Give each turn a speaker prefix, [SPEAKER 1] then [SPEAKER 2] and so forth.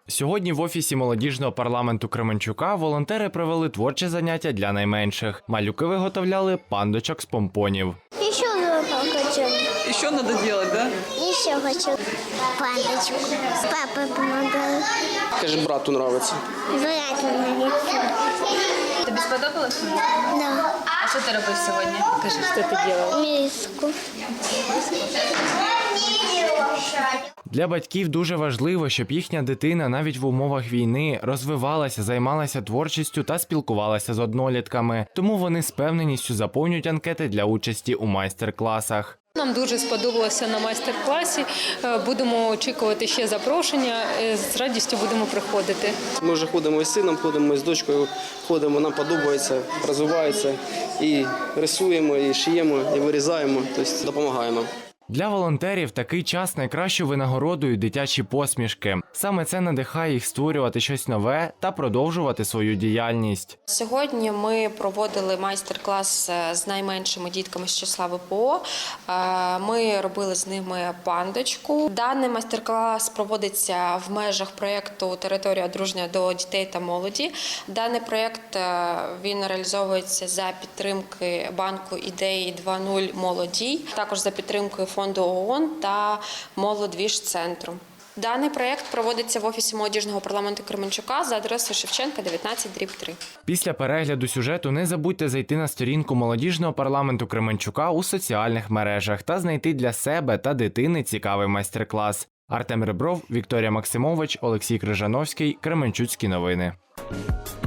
[SPEAKER 1] Сьогодні в офісі молодіжного парламенту Кременчука волонтери провели творче заняття для найменших. Малюки виготовляли пандочок з помпонів.
[SPEAKER 2] Еще хочу.
[SPEAKER 3] Еще надо делать, да?
[SPEAKER 2] Еще хочу пандочку. Папа помогал.
[SPEAKER 4] Каже, брату подобається.
[SPEAKER 2] Брату нравится.
[SPEAKER 5] Тобі сподобалось?
[SPEAKER 2] Да.
[SPEAKER 5] А що ти робив сьогодні? Кажи, що ти робив?
[SPEAKER 2] Миску.
[SPEAKER 1] Для батьків дуже важливо, щоб їхня дитина навіть в умовах війни розвивалася, займалася творчістю та спілкувалася з однолітками. Тому вони з певненістю заповнюють анкети для участі у майстер-класах.
[SPEAKER 6] Нам дуже сподобалося на майстер-класі. Будемо очікувати ще запрошення. З радістю будемо приходити.
[SPEAKER 4] Ми вже ходимо із сином, ходимо із дочкою, ходимо, нам подобається, розвивається. І рисуємо, і шиємо, і вирізаємо, тобто допомагаємо.
[SPEAKER 1] Для волонтерів такий час найкращою винагородою дитячі посмішки. Саме це надихає їх створювати щось нове та продовжувати свою діяльність.
[SPEAKER 7] Сьогодні ми проводили майстер-клас з найменшими дітками з числа ВПО. Ми робили з ними пандочку. Даний майстер-клас проводиться в межах проєкту «Територія дружня до дітей та молоді». Даний проєкт він реалізовується за підтримки банку ідеї 2.0 «Молодій», також за підтримкою фонду ООН та Молодвіж-центру. Даний проєкт проводиться в офісі молодіжного парламенту Кременчука за адресою Шевченка, 19/3.
[SPEAKER 1] Після перегляду сюжету не забудьте зайти на сторінку молодіжного парламенту Кременчука у соціальних мережах та знайти для себе та дитини цікавий майстер-клас. Артем Ребров, Вікторія Максимович, Олексій Крижановський, Кременчуцькі новини.